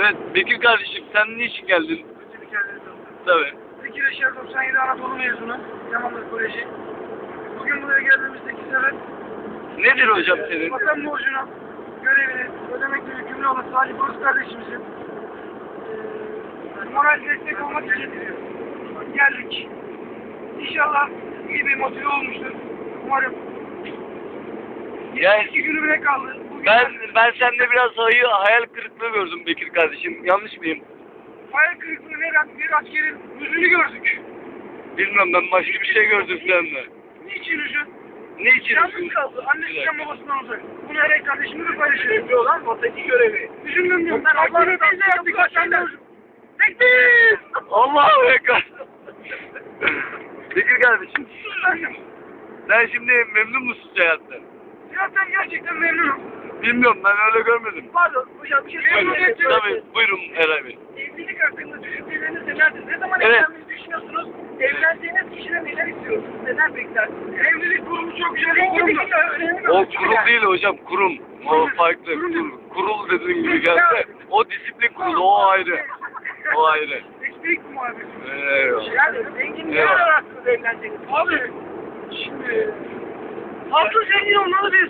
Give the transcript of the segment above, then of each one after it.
Evet, Bekir kardeşim sen niçin geldin? Öncelik yerleri Tabii. Bekir Eşer 97 Anadolu mezunu. Yamanlı Koleji. Bugün buraya geldiğimizdeki sebep Nedir hocam senin? vatan borcunu, görevini ödemekle yükümlü olan Salih Boz kardeşimizin moral destek olmak için geldik. İnşallah iyi bir motive olmuştur. Umarım. Yani 2 günü bile kaldı. Bugün ben sende biraz hayal kırıklığı gördüm Bekir kardeşim. Yanlış mıyım? hayal kırıklığı veren bir askerin yüzünü gördük. Bilmem, ben başka bir şey gördüm sende. Niçin üzün? Niçin? Yalnız kaldı. Annesinden babasından uzak. Bunu her kardeşimizle paylaşıyor. Önemli olan vataki görevi. Üzüldüm diyorum. Ben Allah'ın biz de yaptık. Sen de üzüldün. Tekbir! Allahu Ekber. Bekir kardeşim, sen şimdi memnun musun hayattan? Hayattan gerçekten memnunum. Bilmiyorum, ben öyle görmedim. Pardon hocam bir şey söyleyeyim. Tabii, buyurun Eray Bey. Evlilik hakkında düşünceleriniz nelerdir? Ne zaman Evet. evlenmeyi düşünüyorsunuz? Evlendiğiniz kişiden neler istiyorsunuz? Neden beklersiniz? Evlilik kurumu çok güzel bir kurumdur. O kurul değil hocam, kurum. O farklı. Kurul dediğin gibi gelse, o disiplin kurulu, o ayrı. O ayrı. Eksik muhabbeti. Eyvallah. Yani zengin ne Eyvallah. ararsınız evleneceksiniz? Abi şimdi altın zengin olmalı biz.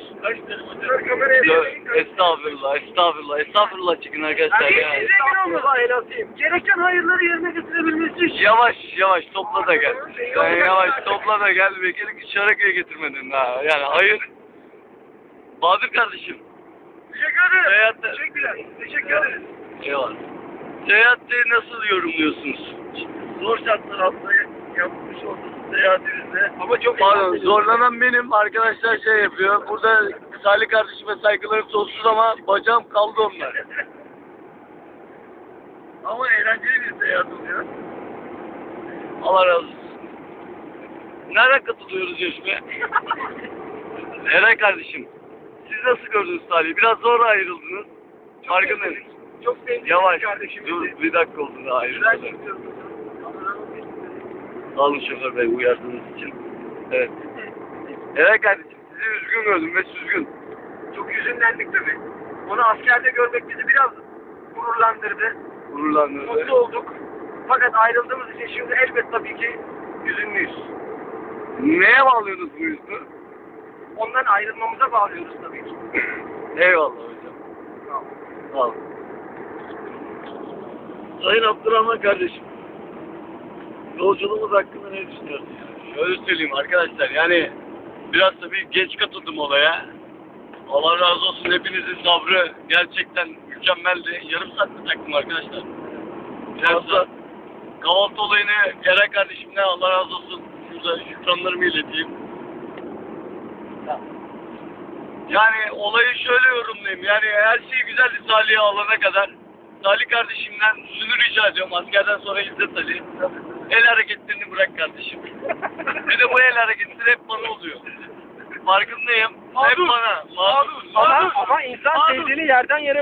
Estağfurullah, estağfurullah çıkın arkadaşlar Yani ya. zengin olmalı elatayım. Gereken hayırları yerine getirebilmesi için. Yavaş topla da gel. Sen yavaş topla da gel. Bekir'i Şaraköy'e getirmedin ha. Yani hayır. Bahadır kardeşim. Teşekkür ederim. Seyahatte. Teşekkürler. Teşekkür ederiz. Eyvallah. Seyahatte nasıl yorumluyorsunuz? Zor şartlar altında yapmış olduğunuz seyahatinizde. Ama çok Pardon, zorlanan benim. Arkadaşlar şey yapıyor. Burada Salih kardeşime saygılarım sonsuz ama bacağım kaldı onlar. Ama eğlenceli bir seyahat oluyor. Allah razı olsun. Nereden katılıyoruz yarışmaya? Eray kardeşim, siz nasıl gördünüz Salih'i? Biraz zor ayrıldınız. Farkındayım. Çok sevdiğim Yavaş, kardeşimizi. dur bir dakika oldu daha Güzel ayrılmadan. gidiyoruz. Sağ olun şoför bey uyardığınız için. Evet. Eray kardeşim, sizi üzgün gördüm ve süzgün. Çok hüzünlendik tabii. Onu askerde görmek bizi biraz gururlandırdı. Gururlandınız. Mutlu olduk. Fakat ayrıldığımız için şimdi elbet tabii ki hüzünlüyüz. Neye bağlıyorsunuz bu yüzünü? Ondan ayrılmamıza bağlıyoruz tabii ki. Eyvallah hocam. Sağ olun. Sayın Abdurrahman kardeşim, yolculuğumuz hakkında ne düşünüyorsun? Şöyle söyleyeyim arkadaşlar, yani biraz tabii geç katıldım olaya. Allah razı olsun, hepinizin sabrı gerçekten mükemmeldi. Yarım saatte taktım arkadaşlar. Yarım saat. Kahvaltı olayını Eray kardeşimle Allah razı olsun şurada şükranlarımı ileteyim. Yani olayı şöyle yorumlayayım. Yani her şey güzeldi Salih'e alana kadar. Salih kardeşimden şunu rica ediyorum. Askerden sonra İzzet Ali. El hareketlerini bırak kardeşim. Bir de bu el hareketleri hep bana oluyor. Farkındayım. Hep bana. Ama insan sevdiğini yerden yere